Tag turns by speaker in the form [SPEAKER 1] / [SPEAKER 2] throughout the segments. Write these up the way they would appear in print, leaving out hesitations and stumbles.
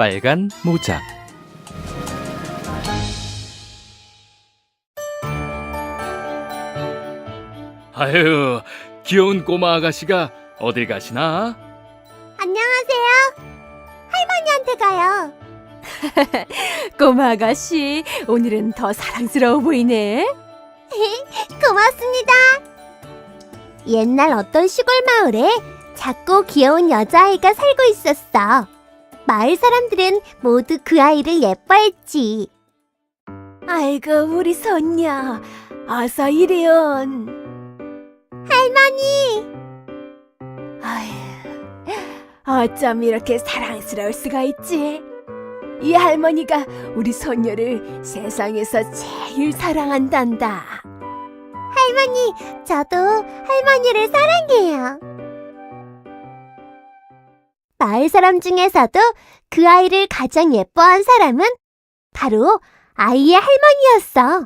[SPEAKER 1] 빨간 모자. 아유, 귀여운 꼬마 아가씨가 어딜 가시나?
[SPEAKER 2] 안녕하세요. 할머니한테 가요.
[SPEAKER 3] 꼬마 아가씨, 오늘은 더 사랑스러워 보이네.
[SPEAKER 2] 고맙습니다. 옛날 어떤 시골 마을에 작고 귀여운 여자아이가 살고 있었어. 마을 사람들은 모두 그 아이를 예뻐했지.
[SPEAKER 3] 아이고, 우리 손녀. 어서 이리온.
[SPEAKER 2] 할머니!
[SPEAKER 3] 아휴, 어쩜 이렇게 사랑스러울 수가 있지? 이 할머니가 우리 손녀를 세상에서 제일 사랑한단다.
[SPEAKER 2] 할머니, 저도 할머니를 사랑해요. 마을 사람 중에서도 그 아이를 가장 예뻐한 사람은 바로 아이의 할머니였어.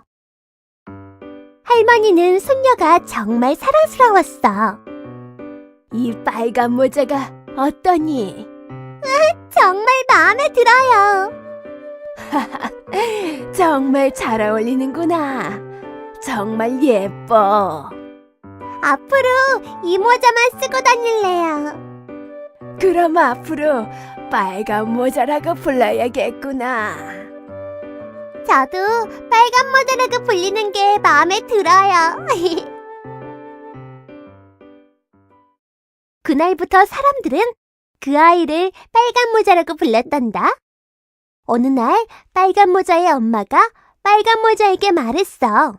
[SPEAKER 2] 할머니는 손녀가 정말 사랑스러웠어.
[SPEAKER 3] 이 빨간 모자가 어떠니?
[SPEAKER 2] 정말 마음에 들어요.
[SPEAKER 3] 정말 잘 어울리는구나. 정말 예뻐.
[SPEAKER 2] 앞으로 이 모자만 쓰고 다닐래요.
[SPEAKER 3] 그럼 앞으로 빨간 모자라고 불러야겠구나.
[SPEAKER 2] 저도 빨간 모자라고 불리는 게 마음에 들어요. 그날부터 사람들은 그 아이를 빨간 모자라고 불렀단다. 어느 날 빨간 모자의 엄마가 빨간 모자에게 말했어.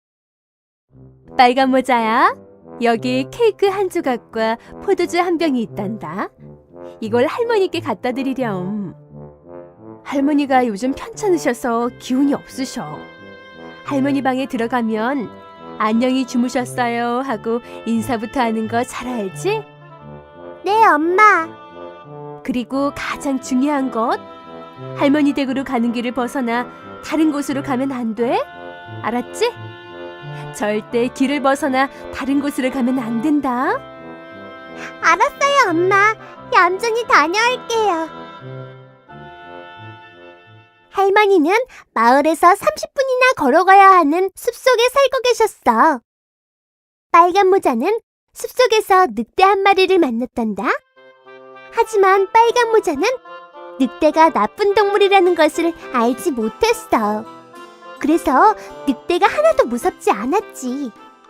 [SPEAKER 3] 빨간 모자야, 여기 케이크 한 조각과 포도주 한 병이 있단다. 이걸 할머니께 갖다 드리렴. 할머니가 요즘 편찮으셔서 기운이 없으셔. 할머니 방에 들어가면 안녕히 주무셨어요 하고 인사부터 하는 거 잘 알지?
[SPEAKER 2] 네, 엄마.
[SPEAKER 3] 그리고 가장 중요한 것, 할머니 댁으로 가는 길을 벗어나 다른 곳으로 가면 안 돼. 알았지? 절대 길을 벗어나 다른 곳으로 가면 안 된다.
[SPEAKER 2] 알았어요, 엄마. 얌전히 다녀올게요. 할머니는 마을에서 30분이나 걸어가야 하는 숲속에 살고 계셨어. 빨간 모자는 숲속에서 늑대 한 마리를 만났단다. 하지만 빨간 모자는 늑대가 나쁜 동물이라는 것을 알지 못했어. 그래서 늑대가 하나도 무섭지 않았지.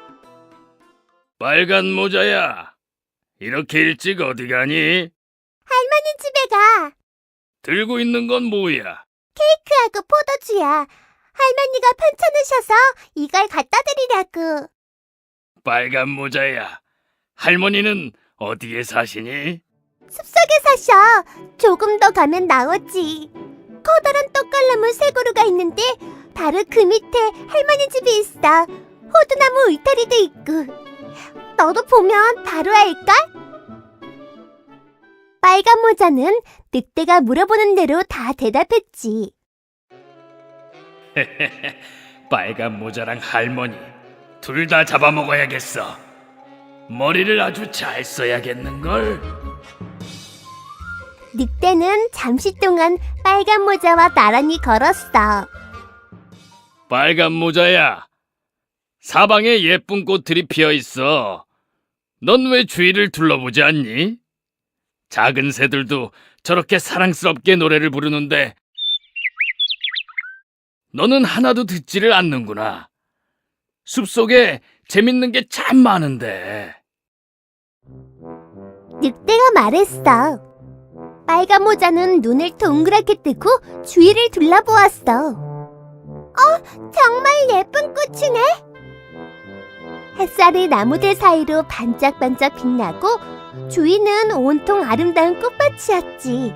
[SPEAKER 4] 빨간 모자야, 이렇게 일찍 어디 가니?
[SPEAKER 2] 할머니 집에 가.
[SPEAKER 4] 들고 있는 건 뭐야?
[SPEAKER 2] 케이크하고 포도주야. 할머니가 편찮으셔서 이걸 갖다 드리려고.
[SPEAKER 4] 빨간 모자야, 할머니는 어디에 사시니?
[SPEAKER 2] 숲속에 사셔. 조금 더 가면 나오지. 커다란 떡갈나무 세 그루가 있는데 바로 그 밑에 할머니 집이 있어. 호두나무 울타리도 있고. 너도 보면 바로 알걸? 빨간 모자는 늑대가 물어보는 대로 다 대답했지.
[SPEAKER 4] 빨간 모자랑 할머니, 둘 다 잡아먹어야겠어. 머리를 아주 잘 써야겠는걸?
[SPEAKER 2] 늑대는 잠시 동안 빨간 모자와 나란히 걸었어.
[SPEAKER 4] 빨간 모자야, 사방에 예쁜 꽃들이 피어 있어. 넌 왜 주위를 둘러보지 않니? 작은 새들도 저렇게 사랑스럽게 노래를 부르는데 너는 하나도 듣지를 않는구나. 숲속에 재밌는 게 참 많은데.
[SPEAKER 2] 늑대가 말했어. 빨간 모자는 눈을 동그랗게 뜨고 주위를 둘러보았어. 정말 예쁜 꽃이네. 햇살이 나무들 사이로 반짝반짝 빛나고 주위는 온통 아름다운 꽃밭이었지.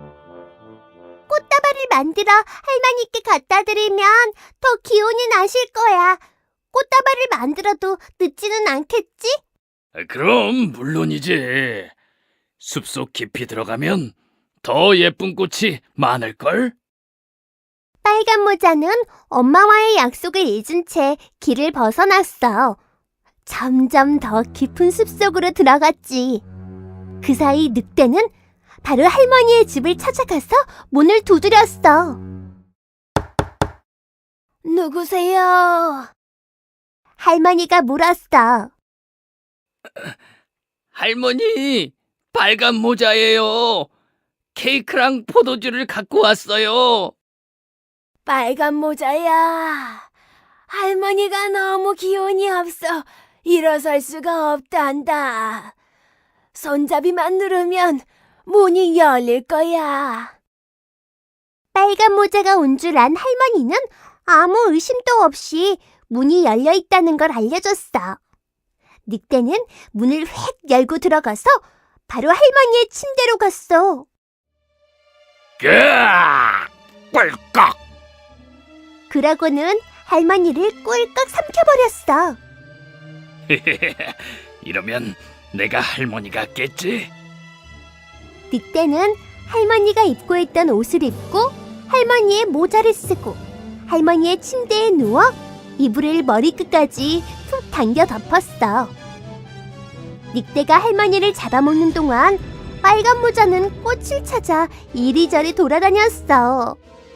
[SPEAKER 2] 꽃다발을 만들어 할머니께 갖다 드리면 더 기운이 나실 거야. 꽃다발을 만들어도 늦지는 않겠지?
[SPEAKER 4] 그럼 물론이지. 숲속 깊이 들어가면 더 예쁜 꽃이 많을걸?
[SPEAKER 2] 빨간 모자는 엄마와의 약속을 잊은 채 길을 벗어났어. 점점 더 깊은 숲속으로 들어갔지. 그 사이 늑대는 바로 할머니의 집을 찾아가서 문을 두드렸어. 누구세요? 할머니가 물었어.
[SPEAKER 4] 할머니, 빨간 모자예요. 케이크랑 포도주를 갖고 왔어요.
[SPEAKER 2] 빨간 모자야. 할머니가 너무 기운이 없어 일어설 수가 없단다. 손잡이만 누르면 문이 열릴 거야. 빨간 모자가 온 줄 안 할머니는 아무 의심도 없이 문이 열려 있다는 걸 알려줬어. 늑대는 문을 획 열고 들어가서 바로 할머니의 침대로 갔어.
[SPEAKER 4] 으악! 꿀꺽!
[SPEAKER 2] 그러고는 할머니를 꿀꺽 삼켜버렸어.
[SPEAKER 4] 이러면 내가 할머니 같겠지?
[SPEAKER 2] 늑대는 할머니가 입고 있던 옷을 입고 할머니의 모자를 쓰고 할머니의 침대에 누워 이불을 머리끝까지 푹 당겨 덮었어. 늑대가 할머니를 잡아먹는 동안 빨간 모자는 꽃을 찾아 이리저리 돌아다녔어.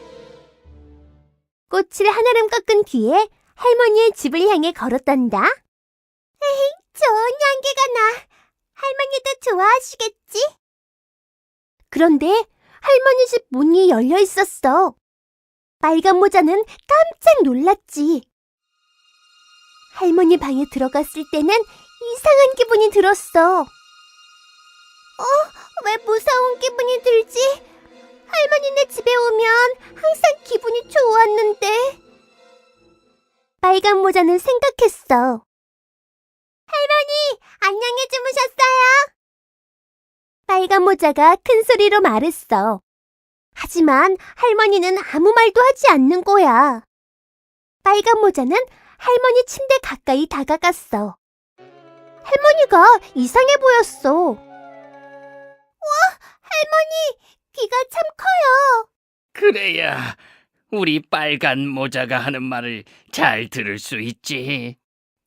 [SPEAKER 2] 꽃을 하나름 꺾은 뒤에 할머니의 집을 향해 걸었단다. 에이, 좋은 향기가 나. 할머니도 좋아하시겠지? 그런데 할머니 집 문이 열려 있었어. 빨간 모자는 깜짝 놀랐지. 할머니 방에 들어갔을 때는 이상한 기분이 들었어. 왜 무서운 기분이 들지? 할머니네 집에 오면 항상 기분이 좋았는데. 빨간 모자는 생각했어. 할머니, 안녕히 주무셨어요? 빨간 모자가 큰 소리로 말했어. 하지만 할머니는 아무 말도 하지 않는 거야. 빨간 모자는 할머니 침대 가까이 다가갔어. 할머니가 이상해 보였어. 할머니, 귀가 참 커요.
[SPEAKER 4] 그래야 우리 빨간 모자가 하는 말을 잘 들을 수 있지.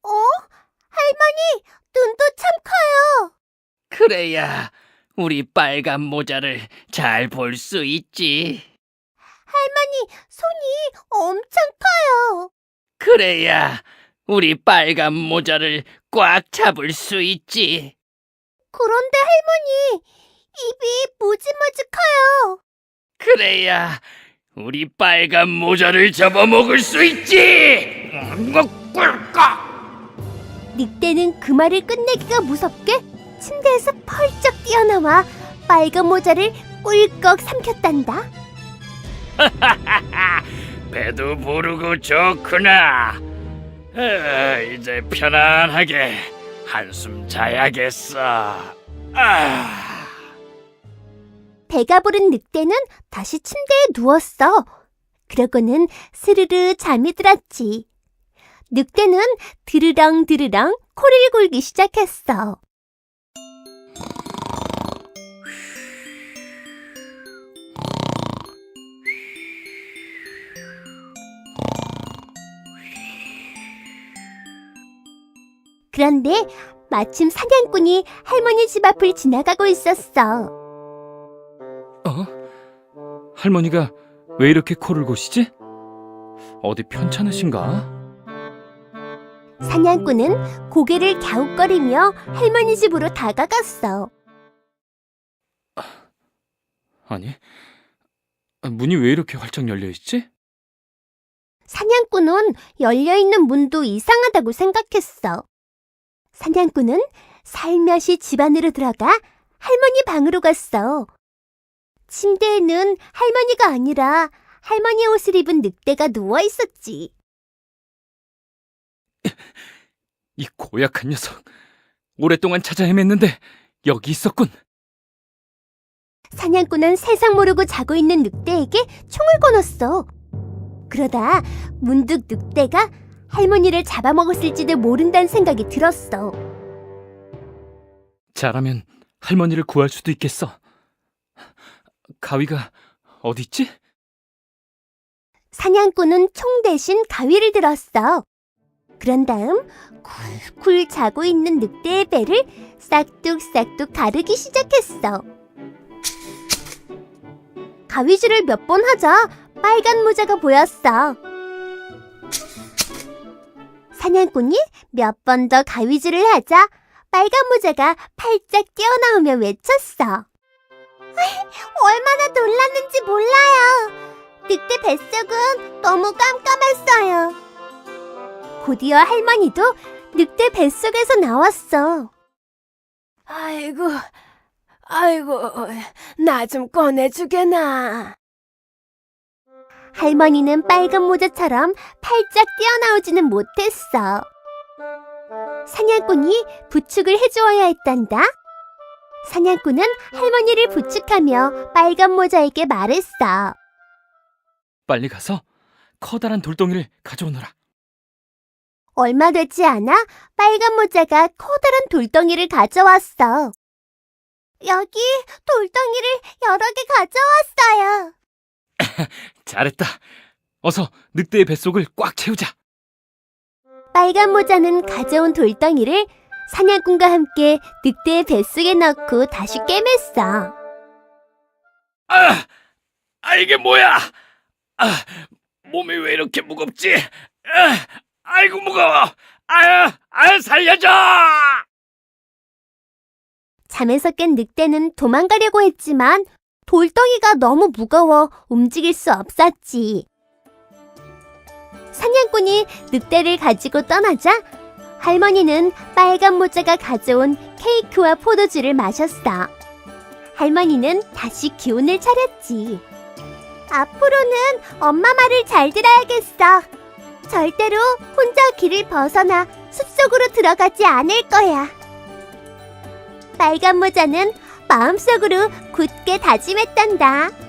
[SPEAKER 2] 할머니, 눈도 참 커요.
[SPEAKER 4] 그래야 우리 빨간 모자를 잘 볼 수 있지.
[SPEAKER 2] 할머니, 손이 엄청 커요.
[SPEAKER 4] 그래야 우리 빨간 모자를 꽉 잡을 수 있지.
[SPEAKER 2] 그런데 할머니, 입이 무지무지 커요.
[SPEAKER 4] 그래야 우리 빨간 모자를 잡아먹을 수 있지. 꿀꺽!
[SPEAKER 2] 늑대는 그 말을 끝내기가 무섭게 침대에서 펄쩍 뛰어나와 빨간 모자를 꿀꺽 삼켰단다.
[SPEAKER 4] 배도 부르고 좋구나. 이제 편안하게 한숨 자야겠어.
[SPEAKER 2] 배가 부른 늑대는 다시 침대에 누웠어. 그러고는 스르르 잠이 들었지. 늑대는 드르렁드르렁 코를 골기 시작했어. 그런데 마침 사냥꾼이 할머니 집 앞을 지나가고 있었어.
[SPEAKER 1] 할머니가 왜 이렇게 코를 고시지? 어디 편찮으신가?
[SPEAKER 2] 사냥꾼은 고개를 갸웃거리며 할머니 집으로 다가갔어.
[SPEAKER 1] 아니, 문이 왜 이렇게 활짝 열려있지?
[SPEAKER 2] 사냥꾼은 열려있는 문도 이상하다고 생각했어. 사냥꾼은 살며시 집 안으로 들어가 할머니 방으로 갔어. 침대에는 할머니가 아니라 할머니 옷을 입은 늑대가 누워 있었지.
[SPEAKER 1] 이 고약한 녀석, 오랫동안 찾아 헤맸는데 여기 있었군.
[SPEAKER 2] 사냥꾼은 세상 모르고 자고 있는 늑대에게 총을 거눴어. 그러다 문득 늑대가 할머니를 잡아먹었을지도 모른다는 생각이 들었어.
[SPEAKER 1] 잘하면 할머니를 구할 수도 있겠어. 가위가 어디 있지?
[SPEAKER 2] 사냥꾼은 총 대신 가위를 들었어. 그런 다음 쿨쿨 자고 있는 늑대의 배를 싹둑싹둑 가르기 시작했어. 가위질을 몇 번 하자 빨간 모자가 보였어. 사냥꾼이 몇 번 더 가위질을 하자 빨간 모자가 팔짝 뛰어나오며 외쳤어. 얼마나 놀랐는지 몰라요. 늑대 뱃속은 너무 깜깜했어요. 곧이어 할머니도 늑대 뱃속에서 나왔어.
[SPEAKER 3] 아이고, 나 좀 꺼내주게나.
[SPEAKER 2] 할머니는 빨간 모자처럼 팔짝 뛰어나오지는 못했어. 사냥꾼이 부축을 해주어야 했단다. 사냥꾼은 할머니를 부축하며 빨간 모자에게 말했어.
[SPEAKER 1] 빨리 가서 커다란 돌덩이를 가져오너라.
[SPEAKER 2] 얼마 되지 않아 빨간 모자가 커다란 돌덩이를 가져왔어. 여기 돌덩이를 여러 개 가져왔어요.
[SPEAKER 1] 잘했다. 어서 늑대의 뱃속을 꽉 채우자.
[SPEAKER 2] 빨간 모자는 가져온 돌덩이를 사냥꾼과 함께 늑대의 뱃속에 넣고 다시 꿰맸어.
[SPEAKER 4] 이게 뭐야? 몸이 왜 이렇게 무겁지? 아이고 무거워. 살려줘!
[SPEAKER 2] 잠에서 깬 늑대는 도망가려고 했지만 돌덩이가 너무 무거워 움직일 수 없었지. 사냥꾼이 늑대를 가지고 떠나자 할머니는 빨간 모자가 가져온 케이크와 포도주를 마셨어. 할머니는 다시 기운을 차렸지. 앞으로는 엄마 말을 잘 들어야겠어. 절대로 혼자 길을 벗어나 숲속으로 들어가지 않을 거야. 빨간 모자는 마음속으로 굳게 다짐했단다.